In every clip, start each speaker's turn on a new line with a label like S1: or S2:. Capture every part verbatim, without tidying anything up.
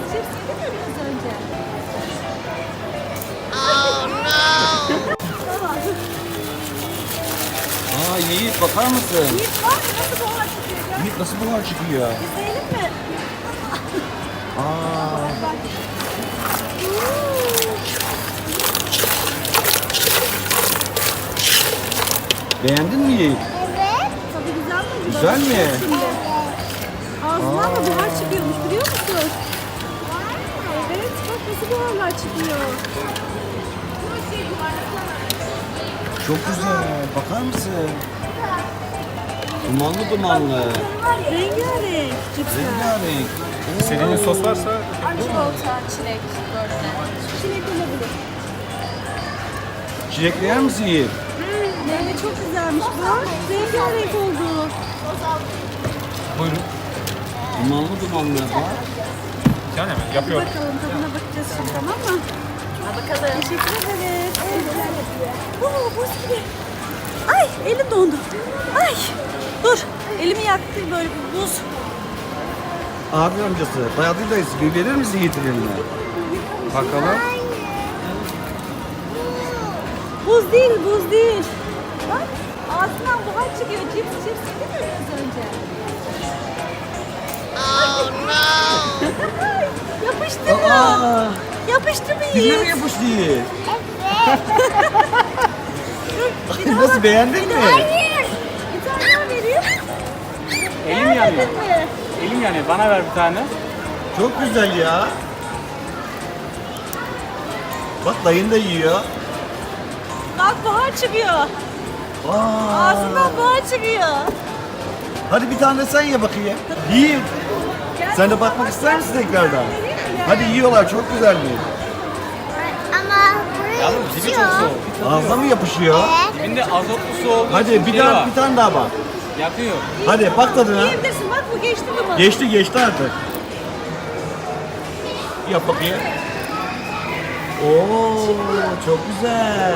S1: cips yedin mi biraz önce?
S2: Oh no!
S1: Tamam.
S3: Aa Yiğit bakar mısın?
S1: Yiğit var mı? Nasıl buhar çıkıyor? Gel.
S3: Yiğit nasıl buhar çıkıyor?
S1: İzleyelim mi?
S3: Aa.
S1: Bak.
S3: Beğendin mi Yiğit?
S4: Evet.
S1: Tadı güzel mi?
S3: Güzel mi?
S1: Şimdi. Ağzından da buhar çıkıyormuş biliyor musun? Evet. Bak nasıl buharlar çıkıyor.
S3: Çok güzel. Bakar mısın? Dumanlı dumanlı.
S1: Rengarenk cipsler.
S3: Rengarenk.
S5: İstediğiniz sos varsa
S2: Çikolata, çilek, böyle.
S1: Çilek olabilir.
S3: Çilekli yer misin Yiğit?
S1: Meyve çok güzelmiş bu. Rengarenk oldu.
S5: buyurun.
S3: Dumanlı dumanlı. Bak.
S5: Bir tane mi? Yapıyorum.
S1: Bakalım tadına bakacağız şimdi, tamam mı?
S2: Bakalım.
S1: Teşekkür ederiz. Oo, buz gibi. Ay elim dondu. Ay dur. Elimi yaktı böyle bir buz.
S3: Abi amcası, dayadı dayısı. Bir verir misin Yiğit'in eline? Bakalım.
S1: Buz değil, buz değil. Bak ağzından buhar çıkıyor. Cips cips yedin mi biraz önce?
S2: Oh no!
S1: Yapıştı mı?
S3: Aa,
S1: Yapıştı mı
S3: diline mi
S1: Yiğit?
S3: yapıştı Yiğit?
S1: Bir daha
S3: Nasıl
S1: bak.
S3: beğendin mi?
S1: Hayır. Bir tane daha vereyim.
S5: Elim yanıyor.
S1: Beğenmedin mi?
S5: Elim yanıyor. Bana ver bir tane.
S3: Çok güzel ya. Bak dayın da yiyor.
S1: Bak buhar çıkıyor.
S3: Aa.
S1: Ağzından buhar çıkıyor.
S3: Hadi bir tane de sen ye bakayım. Yiğit. Sen de bakmak ister misin tekrardan? Hadi yiyorlar, çok güzel mi?
S4: Ama buraya
S5: Yalnız dibi çok
S4: içiyor.
S5: soğuk.
S3: Ağzına mı yapışıyor?
S5: Dibinde azotlu su olduğu
S3: Hadi
S5: için
S3: bir
S5: şey
S3: tane
S5: var.
S3: bir tane daha bak.
S5: Yakıyor.
S3: Hadi bak tadına.
S1: Yiyebilirsin bak bu geçti mi bana?
S3: Geçti geçti artık. Yap bakayım. Oo çok güzel.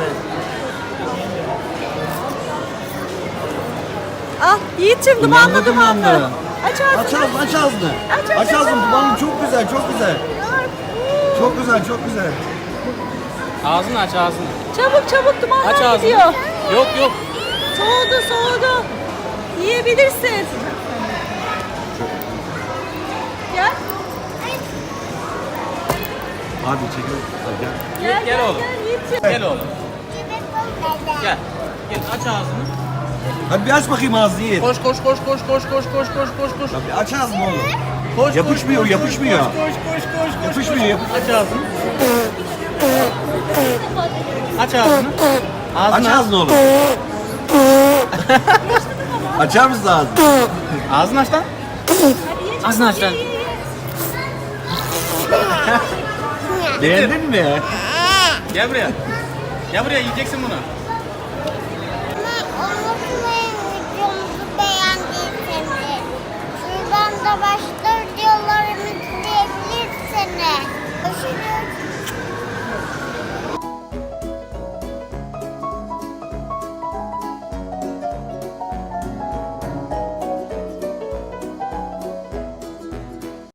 S1: Al Yiğit'cim dumanlı dumanlı. Aç ağzını.
S3: Aç ağzını aç ağzını.
S1: Aç, aç,
S3: Aç
S1: aç,
S3: ağzını
S1: aç.
S3: dumanlı çok güzel çok güzel. Çok güzel çok güzel.
S5: Ağzını aç ağzını.
S1: Çabuk çabuk
S5: Aç
S1: dumanlar
S5: ağzını.
S1: gidiyor.
S5: Yok yok.
S1: Soğudu soğudu. Yiyebilirsin. Gel.
S3: Hadi çekil. Hadi gel.
S1: Gel
S5: Gel oğlum.
S1: Gel Yiğit'ciğim.
S5: Gel oğlum. Gel. Gel aç ağzını.
S3: Hadi bir aç bakayım ağzını Yiğit.
S5: Koş koş koş koş koş koş koş koş koş koş.
S3: Ya bir aç ağzını oğlum.
S5: Koş,
S3: Yapışmıyor,
S5: koş, koş,
S3: yapışmıyor.
S5: Koş koş koş koş koş.
S3: Yapışmıyor yapışmıyor.
S5: Aç ağzını. Aç ağzını.
S3: Aç
S5: Ağzını aç.
S3: ağzını oğlum. Açar mısın ağzını?
S5: Ağzını aç lan. Ağzını aç lan.
S3: Beğendin mi?
S5: Gel buraya. Gel buraya yiyeceksin bunu.
S4: Unutmayın videomuzu beğendiyseniz. Şuradan da başka videolarımı izleyebilirsiniz. Görüşürüz.